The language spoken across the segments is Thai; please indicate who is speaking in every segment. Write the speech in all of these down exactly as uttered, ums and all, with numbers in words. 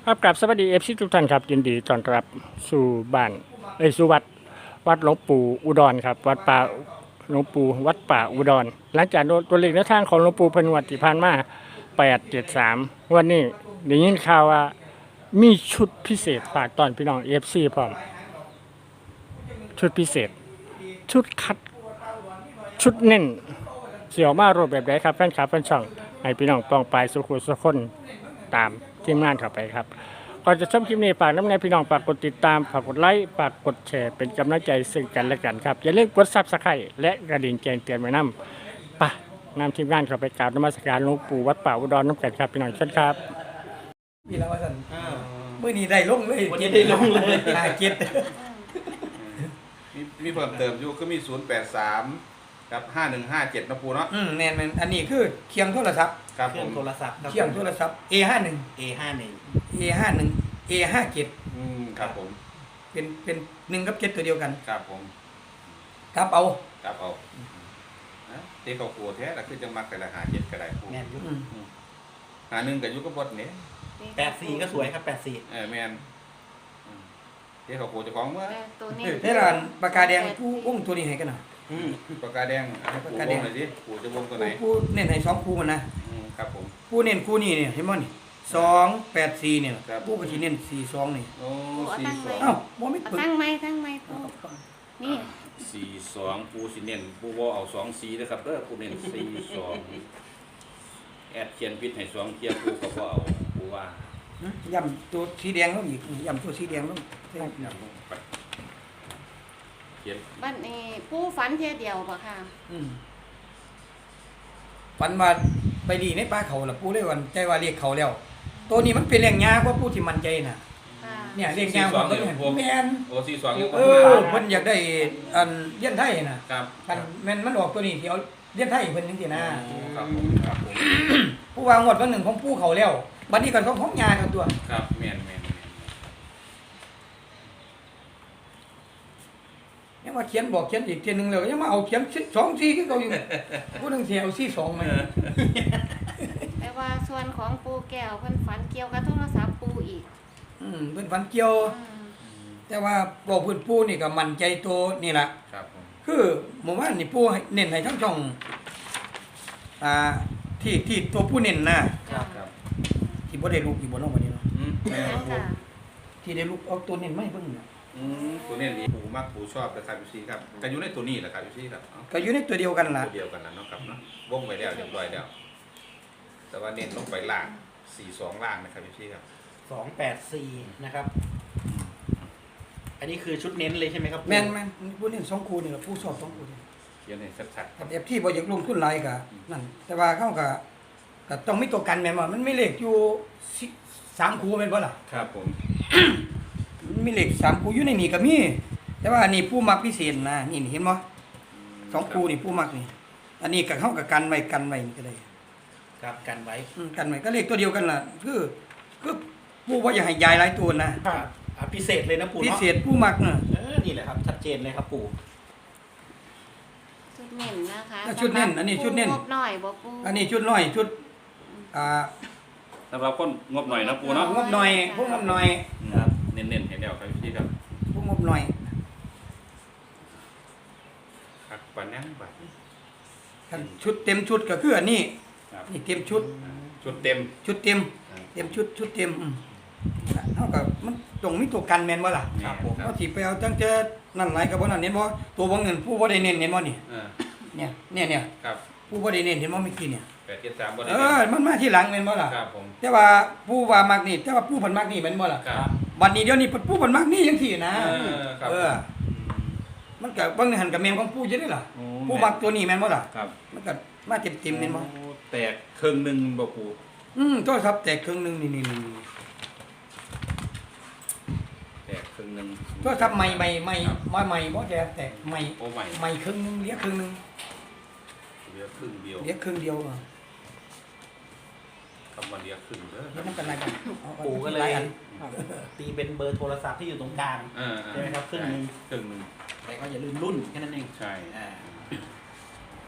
Speaker 1: ครับกลับสวัสดีเอฟซีทุกท่านครับยินดีต้อนรับสู่บ้านเอ้ยสู่วัดวัดหลวงปู่อุดรครับวัดป่าหลวงปู่วัดป่าอุดรหลังจากตัวเลขแนวทางของหลวงปู่เพนวัดที่ผ่านมาแปดเจ็ดสามวันนี้ได้ยินข่าวว่ามีชุดพิเศษฝากตอนพี่น้องเอฟซีพร้อมชุดพิเศษ ชุดคัดชุดเน้นเสี่ยวมารูปแบบไหนครับแฟนคลับแฟนช่องให้พี่น้องปองปลายสุขุสุขคนตามทีมงานเข้าไปครับก่อนจะชมคลิปนี้ฝากน้ำในพี่น้องฝากกดติดตามฝากกดไลค์ฝากกดแชร์เป็นกำลังใจซึ่งกันและกันครับอย่าลืมกดซับสไครต์และกระดิ่งแจ้งเตือนไว้นำปะนำทีมงานเข้าไปกราบนมัสการหลวงปู่วัดป่าอุดรน้ำกันครับพี่น้องเชิญครับ
Speaker 2: พี่ละว่าสันมื่อนี้ได้ลงเลย
Speaker 3: วันนี้ได้ลงเลย
Speaker 2: หาเก็ต
Speaker 4: มีมีเพิ่มเติมอยู่ก็มีศูนย์แปดสามกับห้าหนึ่งห้าเจ็ดนะปูเนาะ
Speaker 2: อืมแน่นแม่นอันนี้คือเคียงโทรศัพท์
Speaker 4: ครับ
Speaker 3: เค
Speaker 4: ผ
Speaker 3: รื่อง
Speaker 4: ม
Speaker 3: โทรศัพท์ครับ
Speaker 2: เคียงโทรศัพท์ เอ ห้าสิบเอ็ด
Speaker 3: เอห้าหนึ่ง
Speaker 2: เอ ห้าสิบเอ็ด เอ ห้าสิบเจ็ด
Speaker 4: อืมครับผม
Speaker 2: เป็นเป็นหนึ่งกับเจ็ดตัวเดียวกัน
Speaker 4: ครับผม
Speaker 2: ครับเอา
Speaker 4: ครับเอานะเด็กเขากลัวแท้แต่คือจะมักแต่ละหาเจ็ดก็ได้ปู
Speaker 3: แมนยุ
Speaker 2: อืม
Speaker 4: หาหนึ่งกับยุกับบดเนี่ย
Speaker 3: แปดสี่ก็สวยครับแปดสี่
Speaker 4: เออแมนอืมเด็กเขากลัวเจะของเมื่อ
Speaker 5: ตัวนี้
Speaker 2: เท่าร้านปากกาแดงผู้วงตัวนี้ให้กันนะ
Speaker 4: อืมปากกาแดงให้ปูวงหน่อยสิปูจะวงตัวไหน
Speaker 2: ผู้เน้นให้สองคู่มันนะ
Speaker 4: อืมครับผม
Speaker 2: ผู้เน้นคู่นี้เนี่ยเห็นมั้ยนี่สองแปดสี่เนี่ย
Speaker 4: ครับ
Speaker 2: ผู้ก็สิเน้นสี่สองนี่
Speaker 4: โอ้สี่สอง
Speaker 2: เอ้าบ่มี
Speaker 5: เอา
Speaker 2: ปึก
Speaker 5: ตั้งไม้ตั้งไม้ปูนี่
Speaker 4: สี่สองปูสิเน้นปูว่าเอาสองสีนะครับเด้อปูเน้นสี่สองแอดเขียนพิษให้สองเทียปูก็บ่เอาปูว่า
Speaker 2: ย่ำตัวสีแดงลงอีกย่ำตัวสีแดงลง
Speaker 4: เขียน
Speaker 5: บ้านนี้ปูฝันเทียเดียวป่ะค่ะ
Speaker 2: อืมฝันว่าไปดีในป่าเขาล่ะผู้เลยวันใจว่าเรียกเขาแล้ว ตัวนี้มันเป็นเลี้ยงยากกว่าผู้ที่มั่นใจน่ะ
Speaker 5: ค่ะ
Speaker 2: เนี่ยเลี้ยงยากกว่าตัวนี้แม่น
Speaker 4: โอ้สี่สองยัง
Speaker 2: เออเพิ่นอยากได้อันเลี้ยนไทยน่ะ
Speaker 4: ครับ
Speaker 2: คันแม่นมันออกตัวนี้ที่เอาเลี้ยนไทยเพิ่นจังซี่นะครับ
Speaker 4: ผมครับผม
Speaker 2: ผู้วางงวดวันหนึ่งของผู้เขาแล้วบัดนี้ก็ของของยากันตัว
Speaker 4: ครับแม่นแม่น
Speaker 2: ยังว่าเขียนบอกเขียนอีกเทียนึงแล้วยังมาเอาเขียนสองสี่คือเก่าอยู่ผู้นึงสิเอาสี่สองมั้ย
Speaker 5: แต่ว่าส่วนของปูแก้วเพิ่นฝันเกี่ยวกับโทรศัพท์ปูอีก
Speaker 2: อืมเพิ่นฝันเกี่ยว
Speaker 5: อืม
Speaker 2: แต่ว่าบอกเพิ่นผู้นี่ก็มั่นใจตัวนี่ล่ะ
Speaker 4: ครับผม
Speaker 2: คือหมู่บ้านนี่ผู้ให้เน้นให้ทั้งช่องอ่าที่ที่ตัวผู้เน้นนะ
Speaker 5: จ้ะ
Speaker 4: ครับ
Speaker 2: ที่บ่ได้ลูกที่บ่ลงมานี่เนาะ
Speaker 4: อืม
Speaker 5: นั่นจ้ะ
Speaker 2: ที่ได้ลูกเอาตัวเน้นไม่เบิ่งน่ะ
Speaker 4: อืมตัวนี้นี่ปูมักปูชอบนะครับพี่ซีครับก็อยู่ในตัวนี้แหละครับพี่ซีครับ
Speaker 2: ก็อยู่ในตัวเดียวกันล่ะ
Speaker 4: ตัวเดียวกันแล้วเนาะครับเนาะวงไว้แล้วเรียบร้อยแล้วแต่ว่าเน้นลงไปล่างสี่สองล่างนะครับพี่ซีครับ
Speaker 3: สองแปดสี่นะครับ อันนี้คือชุดเน้นเลยใช่ไหมครับ
Speaker 2: แม่นแม่นผู้เน้นสองคู่นี่ล่ะผู้สอบสองคู่นี่
Speaker 4: เขียนให้ชัด
Speaker 2: กับเอฟที่บ่อยากลงทุนหลายก็นั่นแต่ว่าเขาก็ก็ต้องมีตัวกันแม่นบ่มันมีเลขอยู่สิสามคู่แม่นบ่ล่ะ
Speaker 4: ๆครับผม
Speaker 2: มันมีเลขสามคู่อยู่ในนี่ก็มี แต่ว่าอันนี้ผู้มักพิเศษนะนี่นี่เห็นบ่สองคู่นี่ผู้มักนี่ อันนี้ก็เฮาก็กันไว้กันไว้นี่ก็ได้
Speaker 3: ครับกันไว้
Speaker 2: อืมกันไว้ก็เลขตัวเดียวกันล่ะคือคือผู้บ่อยากให้ยายหลายตัวนะครับ
Speaker 3: อ่ะพิเศษเลยนะปู่
Speaker 2: พิ
Speaker 3: เนาะ
Speaker 2: เศษผู้มักน่ะ
Speaker 3: เออนี่แหละครับชัดเจนเลยครับปู่
Speaker 5: ชุดเน้นนะคะ
Speaker 2: ชุดเน้นอันนี้ชุดเน้น
Speaker 5: ปูงบหน่อยบ่ปู
Speaker 2: อันนี้ชุดน้อยชุดอ่า
Speaker 4: สำหรับคนงบหน่อยนะปูเนาะ
Speaker 2: งบหน่อยพวกงบหน่อย
Speaker 3: ครับ
Speaker 4: เน้นๆให้แล้วครับพี่ซีครับ
Speaker 2: พวกงบหน่อย
Speaker 4: ครับปานนั้นบัดนี้
Speaker 2: คันชุดเต็มชุดก็คืออันนี้
Speaker 4: ครับ
Speaker 2: นี่เต็มชุด
Speaker 4: ชุดเต็ม
Speaker 2: ชุดเต็ม เต็มชุดชุดเต็มอืมเท่ากับมันตรงมีตัวกันแม่นบ่ล่ะ
Speaker 4: ครับผม
Speaker 2: เขาสิไปเอาตั้งแต่นั่นหลายก็บ่นั่นเห็นบ่ตัวบ่เงินผู้บ่ได้เน้นเห็นบ่นี่
Speaker 4: เออ
Speaker 2: เนี่ยเนี่ยเนี่ย
Speaker 4: ครับ
Speaker 2: ผู้บ่ได้เน้นเห็นบ่เมื่อกี้เนี่ย
Speaker 4: แปดเจ็ดสามบ่ได้
Speaker 2: เออมันมาที่หลังแม่นบ่ล่ะ
Speaker 4: ครับผม
Speaker 2: แต่ว่าผู้ว่ามักนี่แต่ว่าผู้เพิ่นมักนี่แม่นบ่ล่ะ
Speaker 4: ครับ
Speaker 2: บัดนี้เดี๋ยวนี้ผู้เพิ่นมักนี่จังซี่นะ
Speaker 4: เออครับ
Speaker 2: เออ มันก็บางหันกับแม่นของผู้อยู่เด้ล่ะ
Speaker 4: โอ้
Speaker 2: ผู้มักตัวนี้แม่นบ่ล่ะ
Speaker 4: ครับ
Speaker 2: มันก็มาเต็มๆแม่นบ่
Speaker 4: โอ้แตกครึ่งหนึงบ่ปู
Speaker 2: อืมโทรศัพท์แตกครึ่งหนึงนี่ๆ
Speaker 4: แตกครึ่งหนึง
Speaker 2: ๆโทรศัพท์ใหม่ใหม่ใหม่มาใหม่บ่แตกแตกใหม่
Speaker 4: โอ้ใหม่
Speaker 2: ใหม่ครึ่งหนึงเหลือครึ่งหนึง
Speaker 4: เหลือครึ่งเดียว
Speaker 2: เหลือครึ่งเดียวอ่ะ
Speaker 4: คำว่าเหลือครึ่งเด้อ
Speaker 2: เดี๋ยวมันเป็นอะไรกันเอา
Speaker 3: ปู่ก็เล
Speaker 2: ห
Speaker 3: ย
Speaker 2: อัน
Speaker 3: ตีเป็นเบอร์โทรศัพท์ที่อยู่ตรงกลาง
Speaker 4: เออ
Speaker 3: ใช่ไหมครับครึ่งหนึ่ง
Speaker 4: ครึ่งหนึง
Speaker 3: แต่ก็อย่าลืมรุ่นแค่นั้นเอง
Speaker 4: ใช่
Speaker 3: อ่า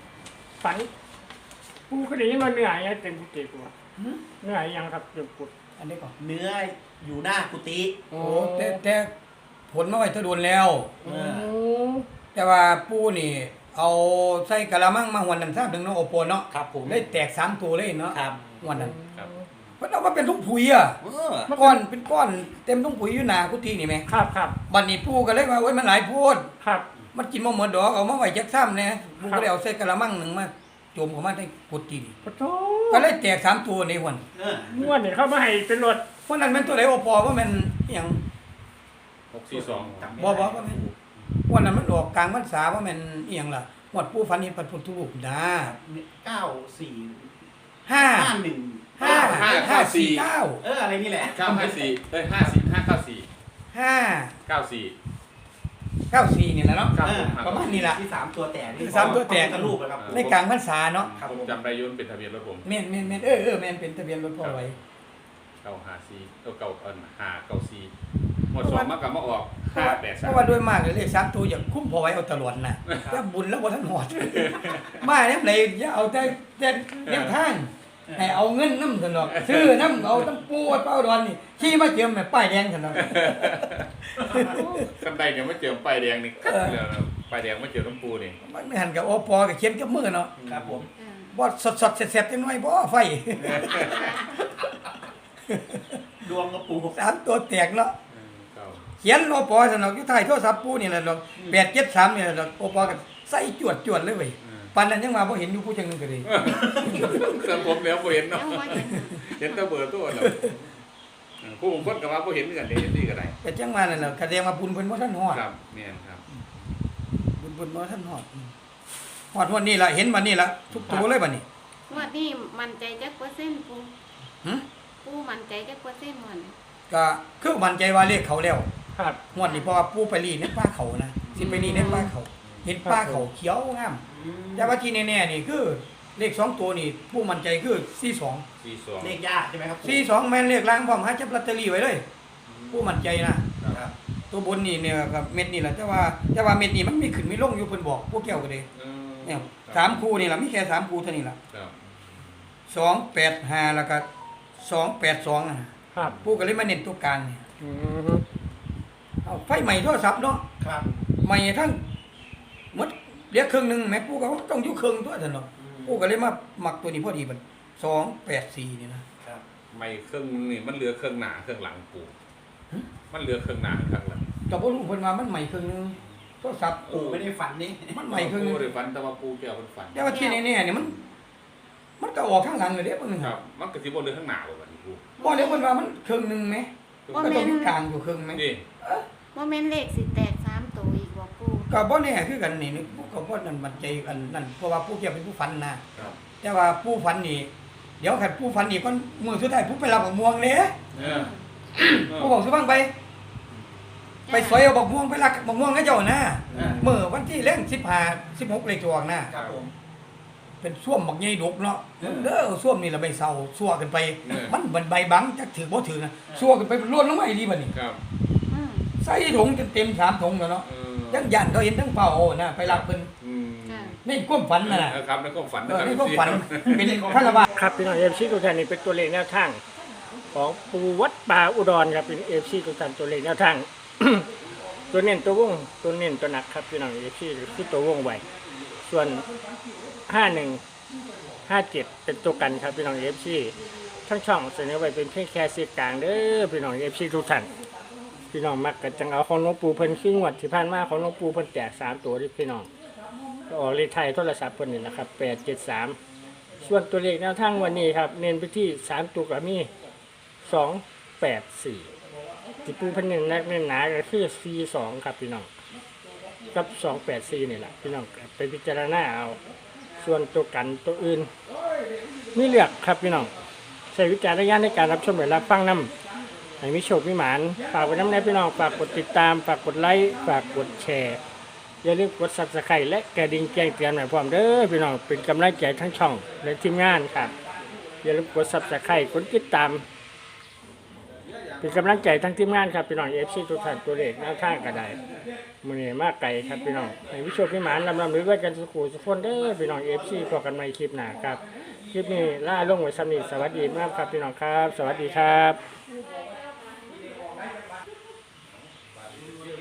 Speaker 1: ฝันปูก็ได้ยินว่าเหนื่อยยังเต็มกุฏิกู
Speaker 2: หืม
Speaker 1: เหนื่อยยังครับเต็มกุฏิ
Speaker 2: อันนี้ก่อน
Speaker 3: เนื้ออยู่หน้ากุฏิ
Speaker 2: โอ้แต่แต่ผลมาไว้ถ้าโดนแล้ว
Speaker 3: เออ
Speaker 2: แต่ว่าปูนี่ เอาใส่กะละมังมาหวนน้ำซ้ำถึงเนาะโอโปเนาะ
Speaker 3: ครับผม
Speaker 2: ได้แตกสามตัวเลยเนาะ
Speaker 3: ครับ
Speaker 2: หวนนั้น
Speaker 4: ครับ
Speaker 2: เพราะเอามาเป็นทุกปุ๋ยอ่ะ
Speaker 3: เออ
Speaker 2: ก้อนเป็นก้อนเต็มทุกปุ๋ยอยู่หน้ากุฏินี่แม่
Speaker 1: ครับครับ
Speaker 2: บัดนี้ปูก็เลยว่าโอ้ยมันหลายโพด
Speaker 1: ครับ
Speaker 2: มันกินบ่หมดดอกเอามาไว้จักซ้ำแน่ปูก็เลยเอาใส่กะละมังหนึงมาโจมเข้ามาในกุฏินี่
Speaker 1: ปะโถ
Speaker 2: ก็เลยแตกสามตัวในหวน
Speaker 3: เออ
Speaker 1: งวดนี่เข้ามาให้เป็นรถ
Speaker 2: เพราะนั้นมันตัวไหนโอปอว่ามันอหยัง
Speaker 4: หกสี่สอง
Speaker 3: จำไม่
Speaker 2: บ่
Speaker 3: ได้
Speaker 2: บ่ว่ามันวันนั้นมันออกกลางพรรษาว่ามันอหยังล่ะหมดปูฝันเห็นพระพุทธรูปนะ
Speaker 3: เก้าสี่
Speaker 2: ห้า
Speaker 3: ห้าหนึ่ง
Speaker 2: ห้าห้าสี่เก้า
Speaker 3: เอออะไรนี่แหละ
Speaker 4: เก้าห้าสี่เอ้ยห้าสี่ห้าเก้าสี่
Speaker 2: ห้า
Speaker 4: เก้าสี่
Speaker 2: เก้าสี่นี่แหละเนาะ
Speaker 4: ครับ
Speaker 3: เออ
Speaker 2: ประมาณนี้ล่ะ
Speaker 3: ที่สามตัวแตกนี่
Speaker 2: ที่สามตัวแตก
Speaker 3: พระพุทธรูปนะครับ
Speaker 2: ในกลางพรรษาเนาะ
Speaker 3: ครับ
Speaker 4: ผ
Speaker 3: ผม ม
Speaker 4: จำได้อยุ่นเป็นทะเบียนรถผม
Speaker 2: แม่นแม่นแม่นเออเออแม่นเป็นทะเบียนรถพ่อไว้
Speaker 4: เก้าห้าสี่เก้าเก้าเอินห้าเก้าสี่หมดสองมากกับมาออก
Speaker 2: เพราะ
Speaker 4: ห้า
Speaker 2: ว่า
Speaker 4: แปด
Speaker 2: เพ
Speaker 4: สาม
Speaker 2: ราะว่าด้วยมากเลยเลขสามตัวอย่างคุ้มพอไว้เอาตลอดน่ะถ้าบุญแล้วบ่ทันหอด มาเนี่ยไหนอย่าเอาแต่แต่แนวทางให้เอาเงินน้ำซั่นดอกซื้อน้ำเอาน้ำปูวัดเป้าดอนนี่ขี่มาเจิมแม่ป้ายแดงซั่นดอก
Speaker 4: กันใดเนี่ยไม่เจอป้ายแดงนี่คัดเลยนะป้ายแดงไม่เจอน้ำปูนี่
Speaker 2: มันไม่หันกับโอปอกับเขียนกับมือเนาะ
Speaker 3: ครับผม
Speaker 5: เออ
Speaker 2: บ่สดสดๆเสร็จๆจังหน่อยบ่ไฟ
Speaker 3: ดวงกระปู
Speaker 2: สามตัวแตกเนาะ
Speaker 4: เก้า
Speaker 2: เขียนโอปอสนอกอยู่ท้ายโทรศัพท์ปูนี่แหละดอกแปดเจ็ดสามนี่แหละดอกโอปอก็ใส่จวดจวดๆเลยเว้ยปานนั้นยังมาบ่เห็นอยู่ผู้จังนึงก็ดี
Speaker 4: แต่ผมแล้วบ่เห็นเนาะ
Speaker 5: เอาไว้เห็น
Speaker 4: เห็นแต่เบอร์ตัวเนาะผู้บางคนก็ว่าบ่เห็นเหมือนกันเด้เห็นดีก็ได้
Speaker 2: แต่จังมานั่นน่ะแสดงว่าบุญเพิ่นบ่ทันฮอด
Speaker 4: ครับเนี่ยครับ
Speaker 2: บุญเพิ่นบ่ทันฮอดฮอดวันนี้ล่ะเห็นบัดนี้ล่ะทุกตัวเลยบัดนี้
Speaker 5: งวดนี้มั่นใจจักเปอร์เซ็นต์ปู
Speaker 2: หึ
Speaker 5: ปูมั่นใจจักเปอร์เซ็นต์มัน
Speaker 2: ก็คือมั่นใจว่าเลขเขาแล้ว
Speaker 1: ครับ
Speaker 2: งวดนี้เพราะว่าปูไปรีในป่าเขานะสิไปรีในป่าเขา เห็นป่าเขาเขียวงามแต่ว่าที่แน่ๆนี่คือเลขสองตัวนี่ผู้มั่นใจคือสี่สอง
Speaker 4: สี่สอง
Speaker 3: เลขยากใช่ไหมครับ
Speaker 2: สี่สองแม่นเลขล่างพร้อมหาจับลอตเตอรี่ไว้เลย ผู้มั่นใจนะ
Speaker 3: ครับ
Speaker 2: ตัวบนนี่เนี่ยกับเม็ดนี่แหละแต่ว่าแต่ว่าเม็ดนี่มันมีขึ้นมีลงอยู่เพิ่นบอกพวกแก้วก็เลย
Speaker 4: เออ
Speaker 2: เนี่ยสามคู่นี่ล่ะมีแค่สามคู่เท่านี้ล่ะ
Speaker 4: ครับ
Speaker 2: สองแปดห้าแล้วก็สองแปดสองนะครับ ผู้ก็เลยมาเน้นตัวกลางนี่
Speaker 1: อืม
Speaker 2: เอาไฟใหม่โทรศัพท์เนาะ
Speaker 3: ครับ
Speaker 2: ใหม่ทั้งหมดเหลือครึ่งหนึงแม่ผู้ก็ต้องอยู่ครึ่งตัวซั่นเนาะผู้ก็เลยมามักตัวนี้พอดีบัดสองแปดสี่นี่นะครับ
Speaker 4: ไม่เครื่องนี่มันเหลือเครื่องหน้าเครื่องหลังปูมันเหลือเครื่องหน้าเครื่องหลัง
Speaker 2: ก็บ่รู้เพิ่นว่ามันใหม่ครึ่งหนึงโทรศัพท์
Speaker 3: ปูไม่ได้ฝันนี่
Speaker 2: มันใหม่ครึ่งหนึ
Speaker 4: ปู
Speaker 2: ง
Speaker 4: ได้ฝันแต่ว่าปูแก้วมันฝัน
Speaker 2: แต่ว่าที่แน่ๆนี่มัน มันก็ออกข้างหลังเลยเด้เพิ่น
Speaker 4: ครับ มันก็สิบ่เหลือข้างหน้าบ่บัดนี้ปู
Speaker 2: บ่เดี๋ยวเพิ่นว่ามันครึ่งหนึงแหม
Speaker 5: บ่
Speaker 2: ก็
Speaker 5: แม่
Speaker 2: ต้อง
Speaker 5: น
Speaker 2: มีกลางอยู่ครึ่งไหม
Speaker 4: นี่
Speaker 5: บ่แม่นเลขสิแตกสามตัวอีกบ่ปู
Speaker 2: ก็บ่แน่คือกันนี่ผู้ก็บ่นั่นมั่นใจกันนั่นเพราะว่าผู้เกี่ยวเป็นผู้ฝันนะครับ แต่ว่าผู้ฝันนี่เดี๋ยวคันผู้ฝันนี่ก่อนมื้อสุดท้ายผู้ไปรับบักม่วงเด้
Speaker 4: เออ
Speaker 2: ผู้บอกสิฟังไป ไปสอยเอาบักม่วงไปรักบักม่วงให้เจ้านะมื้อวันที่แรงสิบห้า สิบหกเลขตัวออกนะครับ
Speaker 3: ผม
Speaker 2: เป็นส้วมบักใหญ่ดกเนาะเด้อส้วมนี่ละใบเศร้าซั่วกันไป มันเหมือนใบบังจักถือบ่ถือนะซั่วกันไปล้วนลงมาอีหลีบัดนี้
Speaker 4: ครับ
Speaker 5: อืม
Speaker 2: ใส่ถุงจนเต็มสามถุงแล้วเนาะ
Speaker 4: เออ
Speaker 2: ยังยันเขาเห็นทั้งเฝ้าเอานะไปรับเพิ่น
Speaker 4: อืม
Speaker 5: ค่ะ
Speaker 2: ในความฝันน่ะนะ
Speaker 4: เออครับในความฝัน
Speaker 2: เอ
Speaker 4: นะ
Speaker 2: อ
Speaker 4: ครับ
Speaker 2: ในความฝันเป็นคารวะ
Speaker 1: ครับพี่น้องเอฟซีทุกท่านนี่เป็นตัวเลขแนวทางของปูวัดป่าอุดรครับเป็นเอฟซีทุกท่านตัวเลขแนวทาง ตัวเน้นตัววงตัวเน้นตัวหนักครับพี่น้องเอฟซีคือตัววงไว้ส่วนห้าหนึ่งห้าเจ็ดเป็นตัวกันครับพี่น้องเอฟซีทั้งช่องเสนอไว้เป็นเพียงแค่เสียงกลางเด้อพี่น้องเอฟซีทุกท่านพี่น้องมักกันจังเอาของหลวงปู่เพิ่นขึ้นงวดที่ผ่านมาของหลวงปู่เพิ่นแจกสามตัวที่พี่น้องก็ออกเลขไทยโทรศัพท์เพิ่นนี่นะครับแปดเจ็ดสาม ส่วนตัวเลขแนวทางวันนี้ครับ เน้นไปที่สามตัวกับมีสองแปดสี่ที่ปูพันหนึ่งนักเน้นหนาก็คือสี่สองครับพี่น้องกับสองแปดสี่นี่แหละพี่น้องไปพิจารณาเอา ส่วนตัวกันตัวอื่นไม่เลือกครับพี่น้องใช้วิจารณญาณในการรับชมหรือรับฟังนำให้มีโชคมีหมานฝากไว้น้ำแน่พี่น้องฝากกดติดตามฝากกดไลค์ฝากกดแชร์อย่าลืมกดซับสไครต์และกระดิ่งแจ้งเตือนหน่อยพร้อมเด้อพี่น้องเป็นกำลังใจทั้งช่องและทีมงานครับอย่าลืมกดซับสไครต์กดติดตามเป็นกำลังใจทั้งทีมงานครับพี่น้องเอฟซีทุกท่านตัวเลขแนวทางกระไดมือนี้มากไกลครับพี่น้องให้วิชวพิมานลำลำหรือว่ากันสุขุสุขคนเด้อพี่น้องเอฟซีพอกันใหม่คลิปหน้าครับคลิปนี้ล่าลงไว้สำนีสวัสดีมากครับพี่น้องครับ สวัสดีครับ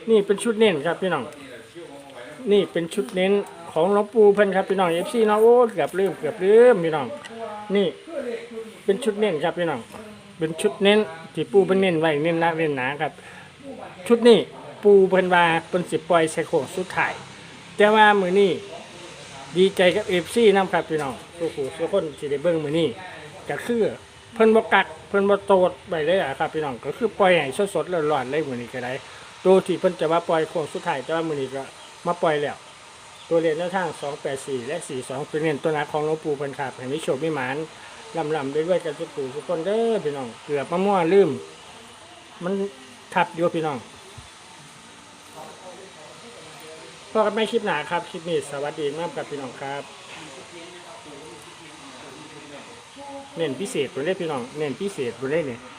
Speaker 1: นี่เป็นชุดเน้นครับพี่น้องนี่เป็นชุดเน้นของหลวงปู่เพิ่นครับพี่น้อง เอฟ ซี เนาะโอ้เกือบลืมเกือบลืมพี่น้องนี่เป็นชุดเน้นครับพี่น้องเป็นชุดเน้นที่ปู่เพิ่นเน้นไว้เน้นหนักเน้นหนาครับชุดนี้ปู่เพิ่นว่าเพิ่นสิปล่อยใส่โค้งสุดท้ายแต่ว่ามื้อนี้ดีใจกับ เอฟ ซี นำครับพี่น้องทุกผู้ทุกคนที่ได้เบิ่งมื้อนี้ก็คือเพิ่นบ่กักเพิ่นบ่โตดไปเลยอะครับพี่น้องก็คือปล่อยให้สดๆร้อนๆเลยมื้อนี้ก็ได้ตัวที่เพิ่นจะมาปล่อยโค้งสุดท้ายแต่ว่ามื้อนี้ก็มาปล่อยแล้วตัวเลขแนวทางสองแปดสี่และสี่สิบสองเป็นเน้นตัวหนักของหลวงปู่เพิ่นครับให้มีโชคมีหมานลำๆด้วยๆกันทุกผู้ทุกคนเด้อพี่น้องเกือบมามั่วลืมมันทับอยู่พี่น้องพอกันไม่คลิปหนาครับคลิปนี้สวัสดีมากครับพี่น้องครับเน้นพิเศษตัวเลขพี่น้องเน้นพิเศษตัวเลขเนี่ย